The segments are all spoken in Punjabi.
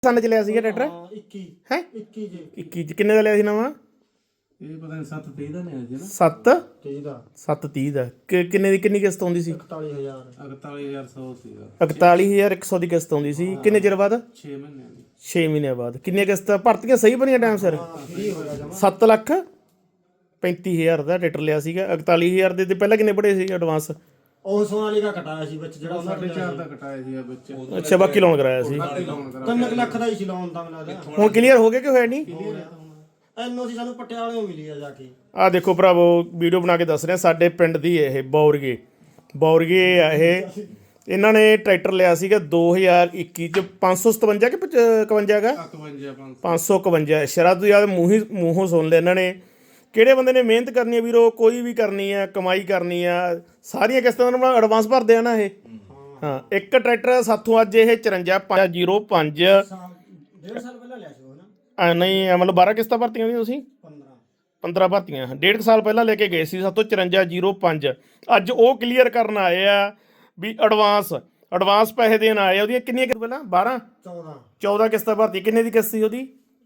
ਸੰਨ ਚ ਲਿਆ ਸੀਗਾ ਟਰੈਕਟਰ 21 ਹੈ 21 ਜੀ 21 ਚ ਕਿੰਨੇ ਦਾ ਲਿਆ ਸੀ ਨਵਾਂ? ਇਹ ਪਤਾ ਨਹੀਂ 7:30 ਦਾ ਨਹੀਂ ਸੀ 7 30 ਦਾ 730 ਦਾ ਕਿੰਨੀ ਕਿਸ਼ਤ ਆਉਂਦੀ ਸੀ? 41000 41100 ਸੀਗਾ 41100 ਦੀ ਕਿਸ਼ਤ ਆਉਂਦੀ ਸੀ। ਕਿੰਨੇ ਚਿਰ ਬਾਅਦ? 6 ਮਹੀਨਿਆਂ ਦੀ 6 ਮਹੀਨਿਆਂ ਬਾਅਦ। ਕਿੰਨੀਆਂ ਕਿਸ਼ਤਾਂ ਭਰਤੀਆਂ ਸਹੀ ਬਣੀਆਂ ਟਾਈਮ ਸਿਰ? ਫ੍ਰੀ ਹੋ ਗਿਆ ਜਮਾ 7,35,000 ਦਾ ਟਰੈਕਟਰ ਲਿਆ ਸੀਗਾ। 41,000 ਦੇ ਤੇ ਪਹਿਲਾਂ ਕਿੰਨੇ ਬੜੇ ਸੀ ਐਡਵਾਂਸ? ਉਹ ਸੋਨਾਲੀ ਦਾ ਕਟਾਇਆ ਸੀ ਵਿੱਚ ਜਿਹੜਾ ਉਹਨਾਂ 4.5 ਦਾ ਕਟਾਇਆ ਸੀਗਾ ਵਿੱਚ ਅੱਛਾ ਬਾਕੀ ਲੋਨ ਕਰਾਇਆ ਸੀ। 3 ਲੱਖ ਦਾ ਹੀ ਸੀ ਲੋਨ ਤਾਂ ਮੈਨੂੰ ਲੱਗਦਾ ਹੁਣ ਕਲੀਅਰ ਹੋ ਗਿਆ ਕਿ ਹੋਇਆ ਨਹੀਂ? ਐਨਓਸੀ ਸਾਨੂੰ ਪਟਿਆਲੇ ਮਿਲੀ ਆ ਜਾ ਕੇ। ਆਹ ਦੇਖੋ ਭਰਾਵੋ ਵੀਡੀਓ ਬਣਾ ਕੇ ਦੱਸ ਰਿਹਾ ਸਾਡੇ ਪਿੰਡ ਦੀ ਇਹ ਬੌਰਗੇ ਆ ਇਹ। ਇਹਨਾਂ ਨੇ ਟਰੈਕਟਰ ਲਿਆ ਸੀਗਾ 2021 ਚ 557 ਕਿ 55 ਹੈਗਾ 551 ਸ਼ਰਾ ਤੋਂ ਯਾਦ ਮੂੰਹੋਂ ਸੁਣ ਲਿਆ ਇਹਨਾਂ ਨੇ। ਕਿਹੜੇ ਬੰਦੇ ਨੇ ਮਿਹਨਤ ਕਰਨੀ ਹੈ ਵੀਰੋ, ਕੋਈ ਵੀ ਕਰਨੀ ਆ, ਕਮਾਈ ਕਰਨੀ ਆ, ਸਾਰੀਆਂ ਕਿਸ਼ਤਾਂ ਨੂੰ ਐਡਵਾਂਸ ਭਰਦੇ ਆ ਨਾ ਇਹ। ਹਾਂ ਇੱਕ ਟਰੈਕਟਰ ਸਾਥੋਂ ਅੱਜ ਇਹ 5405 1.5 ਸਾਲ ਪਹਿਲਾਂ ਲਿਆ ਸੀ ਉਹ ਨਾ। ਨਹੀਂ ਮਤਲਬ 12 ਕਿਸ਼ਤਾਂ ਭਰਤੀਆਂ ਸੀ ਤੁਸੀਂ? 15 ਭਰਤੀਆਂ। 1.5 ਸਾਲ ਪਹਿਲਾਂ ਲੈ ਕੇ ਗਏ ਸੀ ਸਾਥੋਂ 5405। ਅੱਜ ਉਹ ਕਲੀਅਰ ਕਰਨ ਆਏ ਆ ਵੀ ਐਡਵਾਂਸ ਪੈਸੇ ਦੇਣ ਆਏ ਆ। ਉਹਦੀਆਂ ਕਿੰਨੀਆਂ ਪਹਿਲਾਂ 12 14 ਕਿਸ਼ਤਾਂ ਭਰਤੀ। ਕਿੰਨੇ ਦੀ ਕਿਸ਼ਤ ਸੀ ਉਹਦੀ?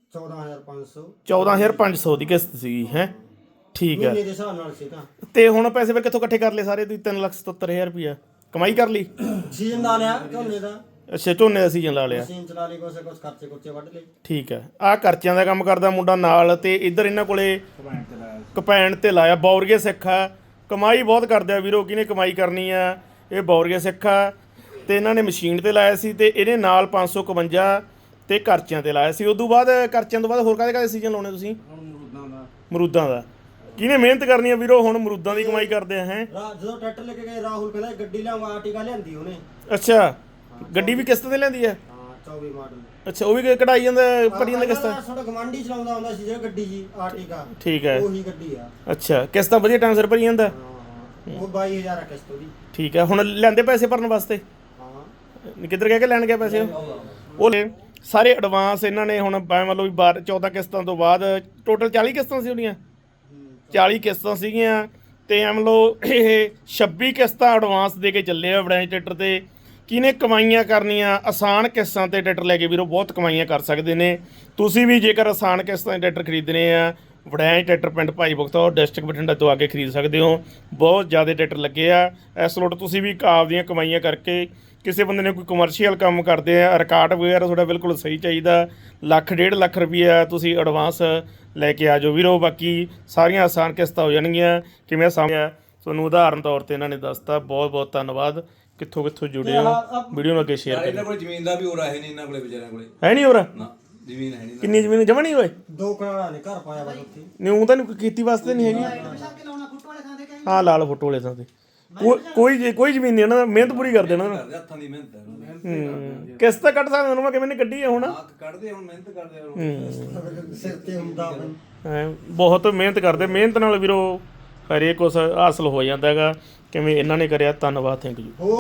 14500 ਦੀ ਕਿਸ਼ਤ ਸੀਗੀ ਹੈ। ਠੀਕ ਹੈ ਮਹੀਨੇ ਦੇ ਹਿਸਾਬ ਨਾਲ ਸੀ ਤਾਂ। ਤੇ ਹੁਣ ਪੈਸੇ ਫਿਰ ਕਿੱਥੋਂ ਇਕੱਠੇ ਕਰ ਲਏ ਸਾਰੇ ਤੁਸੀਂ? 3,77,000 ਰੁਪਇਆ ਕਮਾਈ ਕਰ ਲਈ? ਸੀਜ਼ਨ ਲਾ ਲਿਆ ਝੋਨੇ ਦਾ। ਅੱਛਾ ਝੋਨੇ ਦਾ ਸੀਜ਼ਨ ਲਾ ਲਿਆ। ਮਸ਼ੀਨ ਚਲਾ ਲਈ, ਕੁਛ ਖਰਚੇ ਕੁਰਚੇ ਵੱਢ ਲਏ। ਠੀਕ ਹੈ। ਆਹ ਖਰਚਿਆਂ ਦਾ ਕੰਮ ਕਰਦਾ ਮੁੰਡਾ ਨਾਲ, ਤੇ ਇੱਧਰ ਇਹਨਾਂ ਕੋਲੇ ਕਪੈਣ ਤੇ ਲਾਇਆ। ਬੌਰਗੇ ਸਿੱਖ ਆ, ਕਮਾਈ ਬਹੁਤ ਕਰਦੇ ਆ ਵੀਰੋ। ਕਿਹਨੇ ਕਮਾਈ ਕਰਨੀ ਆ? ਇਹ ਬੌਰਗੇ ਸਿੱਖ ਆ ਤੇ ਇਹਨਾਂ ਨੇ ਮਸ਼ੀਨ ਤੇ ਲਾਇਆ ਸੀ ਤੇ ਇਹਨੇ ਨਾਲ 551 ਤੇ ਖਰਚਿਆਂ ਤੇ ਲਾਇਆ ਸੀ। ਉਦੋਂ ਬਾਅਦ ਖਰਚਿਆਂ ਤੋਂ ਬਾਅਦ ਹੋਰ ਕਾਹਦੇ ਸੀਜ਼ਨ ਲਾਉਣੇ ਤੁਸੀਂ? ਮਰੂਦਾਂ ਦਾ। ਕਿਹਨੇ ਮਿਹਨਤ ਕਰਨੀ ਆ ਵੀਰੋ? ਹੁਣ ਮਰੂਦਾਂ ਦੀ ਕਮਾਈ ਕਰਦੇ ਆ ਹੈ। ਜਦੋਂ ਟਰੈਕਟਰ ਲੈ ਕੇ ਗਏ ਰਾਹੁਲ ਕਹਿੰਦਾ ਗੱਡੀ ਲਿਆਵਾਂ, ਆਰਟੀਕਾ ਲਿਆਂਦੀ ਉਹਨੇ। ਅੱਛਾ ਗੱਡੀ ਵੀ ਕਿਸ਼ਤ ਤੇ ਲੈਂਦੀ ਆ? ਹਾਂ 24 ਮਾਡਲ। ਅੱਛਾ ਉਹ ਵੀ ਕਢਾਈ ਜਾਂਦਾ ਭਰੀ ਜਾਂਦਾ ਕਿਸ਼ਤਾਂ? ਸਾਡਾ ਗਵਾਂਢੀ ਚਲਾਉਂਦਾ ਹੁੰਦਾ ਸੀ ਜਿਹੜਾ ਗੱਡੀ ਜੀ ਆਰਟੀਕਾ। ਠੀਕ ਹੈ ਉਹੀ ਗੱਡੀ ਆ। ਅੱਛਾ ਕਿਸ਼ਤਾਂ ਵਧੀਆ ਟਾਈਮ ਸਿਰ ਭਰੀ ਜਾਂਦਾ? ਉਹ 22,000 ਆ ਕਿਸ਼ਤ ਉਹਦੀ। ਠੀਕ ਹੈ। ਹੁਣ ਲੈਂਦੇ ਪੈਸੇ ਭਰਨ ਵਾਸਤੇ? ਹਾਂ ਕਿੱਧਰ ਕਹਿ ਕੇ ਲੈਣ ਗਿਆ ਪੈਸੇ ਉਹ ਸਾਰੇ ਐਡਵਾਂਸ ਇਹਨਾਂ ਨੇ। ਹੁਣ ਮੰਨ ਲਓ ਵੀ 14 ਕਿਸ਼ਤਾਂ ਤੋਂ ਬਾਅਦ ਟੋਟਲ 40 ਕਿਸ਼ਤਾਂ ਸੀ ਉਹਦੀਆਂ। 40 ਕਿਸ਼ਤਾਂ ਸੀਗੀਆਂ ਤੇ ਮੰਨ ਲਓ ਇਹ 26 ਕਿਸ਼ਤਾਂ ਐਡਵਾਂਸ ਦੇ ਕੇ ਚੱਲੇ ਆ ਵੜੈਂਚ ਟਰੈਕਟਰ ਤੇ। ਕਿਹਨੇ ਕਮਾਈਆਂ ਕਰਨੀਆਂ? ਆਸਾਨ ਕਿਸ਼ਤਾਂ ਤੇ ਟਰੈਕਟਰ ਲੈ ਕੇ ਵੀਰੋ ਬਹੁਤ ਕਮਾਈਆਂ ਕਰ ਸਕਦੇ ਨੇ ਤੁਸੀਂ ਵੀ। ਜੇਕਰ ਆਸਾਨ ਕਿਸ਼ਤਾਂ ਤੇ ਟਰੈਕਟਰ ਖਰੀਦਣੇ ਆ, ਵੜੈਂਚ ਟਰੈਕਟਰ ਪਿੰਡ ਭਾਈ ਬਖਤੌਰ ਡਿਸਟ੍ਰਿਕਟ ਬਠਿੰਡਾ ਤੋਂ ਆ ਕੇ ਖਰੀਦ ਸਕਦੇ ਹੋ। ਬਹੁਤ ਜ਼ਿਆਦਾ ਟਰੈਕਟਰ ਲੱਗੇ ਆ ਇਸ ਲੋਟ। ਤੁਸੀਂ ਵੀ ਆਪਦੀਆਂ ਕਮਾਈਆਂ ਕਰਕੇ, ਕਿਸੇ ਬੰਦੇ ਨੇ ਕੋਈ ਕਮਰਸ਼ੀਅਲ ਕੰਮ ਕਰਦੇ ਆ, ਰਿਕਾਰਡ ਵਗੈਰਾ ਤੁਹਾਡਾ ਬਿਲਕੁਲ ਸਹੀ ਚਾਹੀਦਾ, 1.5 ਲੱਖ ਰੁਪਈਆ ਤੁਸੀਂ ਐਡਵਾਂਸ ਲੈ ਕੇ ਆ ਜਾਓ ਵੀਰੋ। ਬਾਕੀ ਸਾਰੀਆਂ ਆਸਾਨ ਕਿਸ਼ਤਾਂ ਹੋ ਜਾਣਗੀਆਂ। ਕਿਵੇਂ ਸਾਹਮਣੇ ਤੁਹਾਨੂੰ ਉਦਾਹਰਨ ਤੌਰ ਤੇ ਇਹਨਾਂ ਨੇ ਦੱਸਤਾ। ਬਹੁਤ ਬਹੁਤ ਧੰਨਵਾਦ। ਕਿੱਥੋਂ ਜੁੜੇ ਹੋ? ਵੀਡੀਓ ਨੂੰ ਅੱਗੇ ਸ਼ੇਅਰ ਕਰੋ। ਇਹਨਾਂ ਕੋਲ ਜ਼ਮੀਨ ਦਾ ਵੀ ਹੋਰ ਹੈ ਨਹੀਂ, ਇਹਨਾਂ ਕੋਲੇ ਵਿਚਾਰਿਆਂ ਕੋਲੇ ਹੈ ਨਹੀਂ ਹੋਰ? ਨਾ ਜ਼ਮੀਨ ਹੈ ਨਹੀਂ। ਕਿੰਨੀ ਜ਼ਮੀਨ ਜਮਾ ਨਹੀਂ ਹੋਏ? 2 ਕਨਾਲਾਂ ਨੇ ਘਰ ਪਾਇਆ ਬਸ ਉੱਥੇ। ਨਹੀਂ ਉਹ ਤਾਂ ਨਹੀਂ ਕੀਤੀ ਵਾਸਤੇ ਨਹੀਂ ਹੈਗੀ। ਹਾਂ ਲਾਲ ਫੋਟੋ ਵਾਲੇ ਥਾਂ ਤੇ ਕੋਈ ਜ਼ਮੀਨ ਨਹੀਂ। ਇਹਨਾਂ ਦਾ ਮਿਹਨਤ ਪੂਰੀ ਕਰਦੇ ਇਹਨਾਂ ਨੂੰ। ਹੱਥਾਂ ਦੀ ਮਿਹਨਤ ਹੈ। ਕਿਸ ਤਾਂ ਕੱਢ ਸਕਦੇ ਉਹਨਾਂ ਕਿਵੇਂ ਨੇ ਕੱਢੀ ਹੈ ਹੁਣ। ਹੱਥ ਕੱਢਦੇ ਹੁਣ, ਮਿਹਨਤ ਕਰਦੇ ਹੁਣ। ਸਿਰ ਤੇ ਹੁੰਦਾ ਬਹੁਤ ਮਿਹਨਤ ਕਰਦੇ। ਮਿਹਨਤ ਨਾਲ ਵੀਰੋ ਹਰੇਕ ਕੁਛ ਹਾਸਲ ਹੋ ਜਾਂਦਾ ਹੈਗਾ। ਕਿਵੇਂ ਇਹਨਾਂ ਨੇ ਕਰਿਆ। ਧੰਨਵਾਦ। Thank you.